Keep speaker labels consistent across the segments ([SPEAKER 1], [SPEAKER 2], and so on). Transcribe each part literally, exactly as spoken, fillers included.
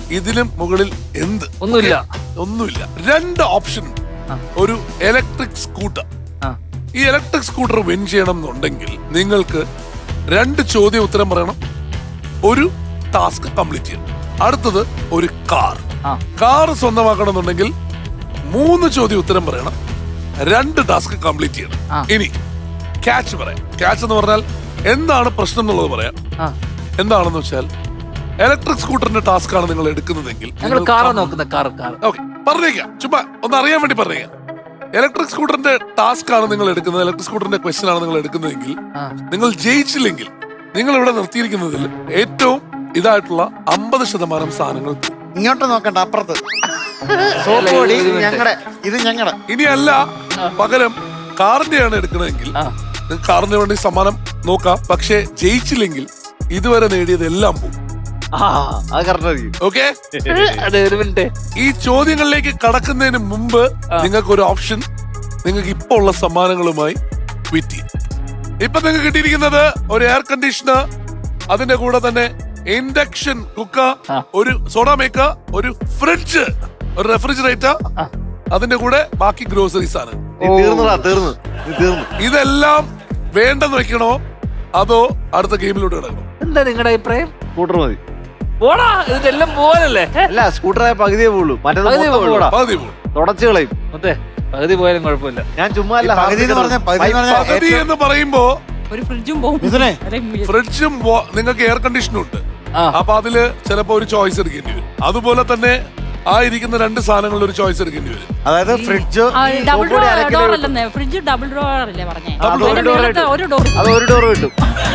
[SPEAKER 1] ഇതിലും മുകളിൽ എന്ത്?
[SPEAKER 2] ഒന്നുമില്ല.
[SPEAKER 1] ഒന്നുമില്ല. രണ്ട് ഓപ്ഷൻ. ഒരു ഇലക്ട്രിക് സ്കൂട്ടർ. ഈ ഇലക്ട്രിക് സ്കൂട്ടർ വിൻ ചെയ്യണം എന്നുണ്ടെങ്കിൽ നിങ്ങൾക്ക് രണ്ട് ചോദ്യം ഉത്തരം പറയണം, ഒരു ടാസ്ക് കംപ്ലീറ്റ് ചെയ്യണം. അടുത്തത് ഒരു കാർ. കാർ സ്വന്തമാക്കണം എന്നുണ്ടെങ്കിൽ മൂന്ന് ചോദ്യം ഉത്തരം പറയണം, രണ്ട് ടാസ്ക് കംപ്ലീറ്റ് ചെയ്യണം. ഇനി ക്യാച്ച് പറയാം. ക്യാച്ച് എന്ന് പറഞ്ഞാൽ എന്താണ് പ്രശ്നം എന്നുള്ളത് പറയാം. എന്താണെന്ന് വെച്ചാൽ ഇലക്ട്രിക് സ്കൂട്ടറിന്റെ ടാസ്ക് ആണ് നിങ്ങൾ എടുക്കുന്നതെങ്കിൽ പറഞ്ഞേക്കാം, ചുമ്മാ ഒന്ന് അറിയാൻ വേണ്ടി പറഞ്ഞേക്കാം. ഇലക്ട്രിക് സ്കൂട്ടറിന്റെ ടാസ്ക് ആണ് നിങ്ങൾ എടുക്കുന്നത്, ഇലക്ട്രിക് സ്കൂട്ടറിന്റെ ക്വസ്റ്റ്യൻ ആണ് നിങ്ങൾ എടുക്കുന്നതെങ്കിൽ നിങ്ങൾ ജയിച്ചില്ലെങ്കിൽ നിങ്ങൾ ഇവിടെ നിർത്തിയിരിക്കുന്നതിൽ ഏറ്റവും ഇതായിട്ടുള്ള അമ്പത് ശതമാനം സാധനങ്ങൾ
[SPEAKER 3] ഇങ്ങോട്ട് നോക്കണ്ട, അപ്പുറത്ത് ഇത് ഞങ്ങളുടെ.
[SPEAKER 1] ഇനിയല്ല, പകരം കാറിന്റെയാണ് എടുക്കുന്നതെങ്കിൽ കാറിന് വേണ്ടി സമ്മാനം നോക്കാം. പക്ഷെ ജയിച്ചില്ലെങ്കിൽ ഇതുവരെ നേടിയത് എല്ലാം പോകും. ഓക്കെ, ഈ ചോദ്യങ്ങളിലേക്ക് കടക്കുന്നതിന് മുമ്പ് നിങ്ങൾക്ക് ഒരു ഓപ്ഷൻ, നിങ്ങൾക്ക് ഇപ്പൊ ഉള്ള സമ്മാനങ്ങളുമായി ട്വീറ്റ് ചെയ്യും. ഇപ്പൊ നിങ്ങൾക്ക് കിട്ടിയിരിക്കുന്നത് ഒരു എയർ കണ്ടീഷണർ, അതിന്റെ കൂടെ തന്നെ ഇൻഡക്ഷൻ കുക്കർ, ഒരു സോഡ മേക്കർ, ഒരു ഫ്രിഡ്ജ്, ഒരു റെഫ്രിജറേറ്റർ, അതിന്റെ കൂടെ ബാക്കി ഗ്രോസറീസ് ആണ്. ഇതെല്ലാം വേണ്ടെന്ന് വെക്കണോ അതോ അടുത്ത ഗെയിമിലോട്ട് കിടക്കണോ?
[SPEAKER 2] എന്താ നിങ്ങളുടെ അഭിപ്രായം?
[SPEAKER 4] സ്കൂട്ടർ മതി.
[SPEAKER 2] പോടാ, ഇതെല്ലാം പോലല്ലേ?
[SPEAKER 4] അല്ല, സ്കൂട്ടറായ പകുതിയേ പോളൂ, മറ്റേത് തുടച്ചു കളയും.
[SPEAKER 2] മറ്റേ പകുതി പോയാലും കുഴപ്പമില്ല.
[SPEAKER 4] ഞാൻ ചുമ്മാ അല്ല,
[SPEAKER 3] പകുതി എന്ന് പറഞ്ഞ
[SPEAKER 1] പകുതി എന്ന് പറയുമ്പോ
[SPEAKER 5] ഒരു ഫ്രിഡ്ജും പോകും,
[SPEAKER 1] ഫ്രിഡ്ജും നിങ്ങൾക്ക് എയർ കണ്ടീഷനും ഉണ്ട്. അപ്പൊ അതില് ചിലപ്പോ ഒരു ചോയ്സ് എടുക്കേണ്ടി വരും. അതുപോലെ തന്നെ ആ ഇരിക്കുന്ന രണ്ട് സാധനങ്ങളിൽ ഒരു ചോയ്സ് എടുക്കേണ്ടി വരും.
[SPEAKER 3] അതായത് ഫ്രിഡ്ജ്
[SPEAKER 5] ഡബിൾ ഡോർ അല്ലെന്നേ, ഫ്രിഡ്ജ് ഡബിൾ ഡോർ അല്ലേ പറഞ്ഞേ? ഒരു ഡോർ
[SPEAKER 4] അത് ഒരു ഡോർ കിട്ടും.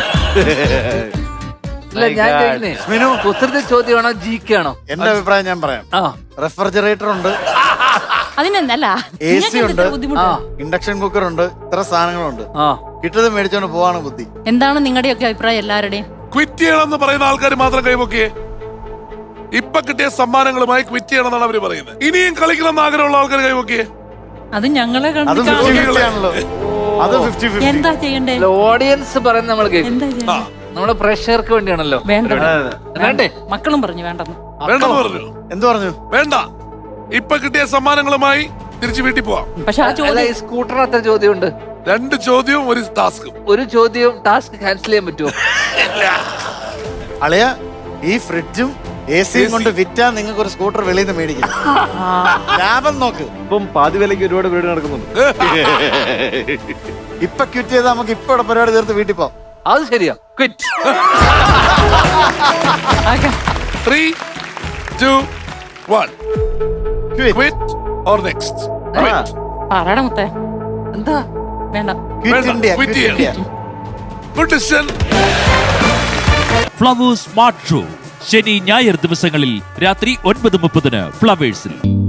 [SPEAKER 2] കുസൃതി ചോദ്യമാണോ ജിക്ക് ആണോ?
[SPEAKER 3] എന്റെ അഭിപ്രായം ഞാൻ പറയാം. റെഫ്രിജറേറ്റർ ഉണ്ട്,
[SPEAKER 5] അതിനെന്തല്ല,
[SPEAKER 3] എ സി ഉണ്ട്, ഇൻഡക്ഷൻ കുക്കർ ഉണ്ട്, ഇത്ര സാധനങ്ങളുണ്ട്. കിട്ടത് മേടിച്ചോണ്ട് പോവാണ് ബുദ്ധി.
[SPEAKER 5] എന്താണ് നിങ്ങളുടെയൊക്കെ അഭിപ്രായം? എല്ലാവരുടെയും
[SPEAKER 1] ക്വിറ്റ് ചെയ്യണമെന്ന് പറയുന്ന ആൾക്കാർ മാത്രം കൈവക്കിയേ. ഇപ്പൊ കിട്ടിയ സമ്മാനങ്ങളുമായി ക്വിറ്റ് ചെയ്യണം എന്നാണ് അവര് പറയുന്നത്. ഇനിയും കളിക്കണം എന്ന് ആഗ്രഹമുള്ള ആൾക്കാർ കൈവക്കിയേ.
[SPEAKER 5] അത് ഞങ്ങളെ എന്താ ചെയ്യണ്ടേ?
[SPEAKER 2] ഓഡിയൻസ് പറയുന്നത് നമ്മൾ കേൾക്കും. നമ്മുടെ പ്രേക്ഷകർക്ക് വേണ്ടിയാണല്ലോ.
[SPEAKER 5] വേണ്ടേ? മക്കളും പറഞ്ഞു വേണ്ടെന്ന്.
[SPEAKER 1] വേണ്ടെന്ന് പറഞ്ഞു.
[SPEAKER 3] എന്ത് പറഞ്ഞു?
[SPEAKER 1] വേണ്ട. ഇപ്പൊ കിട്ടിയ സമ്മാനങ്ങളുമായി തിരിച്ചു വീട്ടിൽ പോവാം.
[SPEAKER 5] പക്ഷെ ആ ചോദ്യം,
[SPEAKER 2] സ്കൂട്ടർ അത്ര ചോദ്യമുണ്ട്.
[SPEAKER 1] രണ്ട് ചോദ്യവും ഒരു ടാസ്കും.
[SPEAKER 2] ഒരു ചോദ്യവും ടാസ്ക് ക്യാൻസൽ ചെയ്യാൻ പറ്റുമോ?
[SPEAKER 3] അളിയ, ഈ ഫ്രിഡ്ജും എ സിയും കൊണ്ട് വിറ്റാ നിങ്ങൾക്ക് ഒരു സ്കൂട്ടർ വെളിയിൽ നിന്ന് മേടിക്കും. ലാഭം നോക്ക്.
[SPEAKER 4] ഇപ്പം പാതി വിലയ്ക്ക് ഒരുപാട് വീട് നടക്കുന്നുണ്ട്.
[SPEAKER 3] ഇപ്പൊ ക്വിറ്റ് ചെയ്താൽ നമുക്ക് ഇപ്പൊ ഇവിടെ പരിപാടി തീർത്ത് വീട്ടിൽ പോവാം.
[SPEAKER 2] അത് ശരിയാ. Quit.
[SPEAKER 1] Three two one. Quit or next?
[SPEAKER 5] പറയണ മുത്തേ.
[SPEAKER 2] എന്താ?
[SPEAKER 5] വേണ്ട.
[SPEAKER 3] Quit India, quit India.
[SPEAKER 1] Good decision.
[SPEAKER 6] Flowers smart show ശനി ഞായർ ദിവസങ്ങളിൽ രാത്രി ഒൻപത് മുപ്പതിന് ഫ്ലവേഴ്സിൽ.